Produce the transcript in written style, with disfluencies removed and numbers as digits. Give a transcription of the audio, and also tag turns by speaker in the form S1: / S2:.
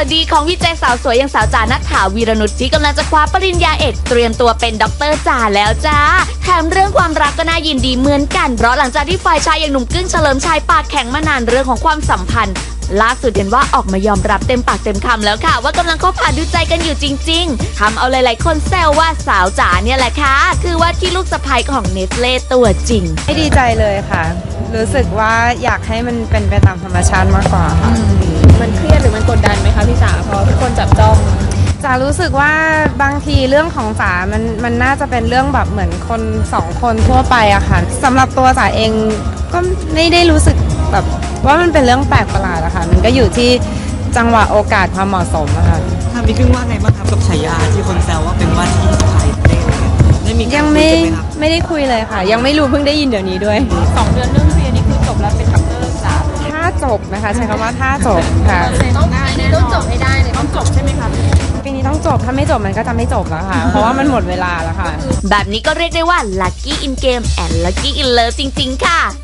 S1: ดีของวิจัยสาวสวยอย่างสาวจ๋าณัฐฐา วีรนุชที่กำลังจะคว้าปริญญาเอกเตรียมตัวเป็นด็อกเตอร์จ๋าแล้วจ้าแถมเรื่องความรักก็น่ายินดีเหมือนกันเพราะหลังจากที่ฝ่ายชายอย่างหนุ่มกึ้งเฉลิมชัยปากแข็งมานานเรื่องของความสัมพันธ์ล่าสุดเห็นว่าออกมายอมรับเต็มปากเต็มคำแล้วค่ะว่ากำลังคบหาดูใจกันอยู่จริงๆทำเอาหลายๆคนแซวว่าสาวจ๋าเนี่ยแหละค่ะคือว่าที่ลูกสะใภ้ของเนสเล่ตัวจริง
S2: ไม่ดีใจเลยค่ะ รู้สึกว่าอยากให้มันเป็นไปตามธรรมชาติมากกว่าค่ะ
S3: มันเครียดหรือมันกดดันไหมคะพี่จ๋าเพราะทุกคนจับจ้อง
S2: จ๋ารู้สึกว่าบางทีเรื่องของจ๋ามันน่าจะเป็นเรื่องแบบเหมือนคนสองคนทั่วไปอะค่ะสำหรับตัวจ๋าเองก็ไม่ได้รู้สึกแบบว่ามันเป็นเรื่องแปลกประหลาดอะค่ะมันก็อยู่ที่จังหวะโอกาสความเหมาะสมอะค่ะ
S4: ทางพี่กึ้งว่าไงบ้างครับกับฉายาที่คนแซวว่าเป็นว่าที่สะใภ้ได้มี
S2: ยังไม่ได้คุยเลยค่ะยังไม่รู้เพิ่งได้ยินเดี๋ยวนี้ด้วย
S3: 2 เดือนเรื่องเรียนนี่คือจบแล้วเป็นด็อกเตอร์จ๋า
S2: ถ้าจบนะคะใช้คำว่าถ้าจบค่ะ
S3: ต้องจบให้ได้เลยต้องจบใช่ไหมคะ
S2: ปีนี้ต้องจบถ้าไม่จบมันก็จะไม่จบแล้วค่ะเพราะว่ามันหมดเวลาแล้วค่ะ
S1: แบบนี้ก็เรียกได้ว่า lucky in game and lucky in love จริงๆค่ะ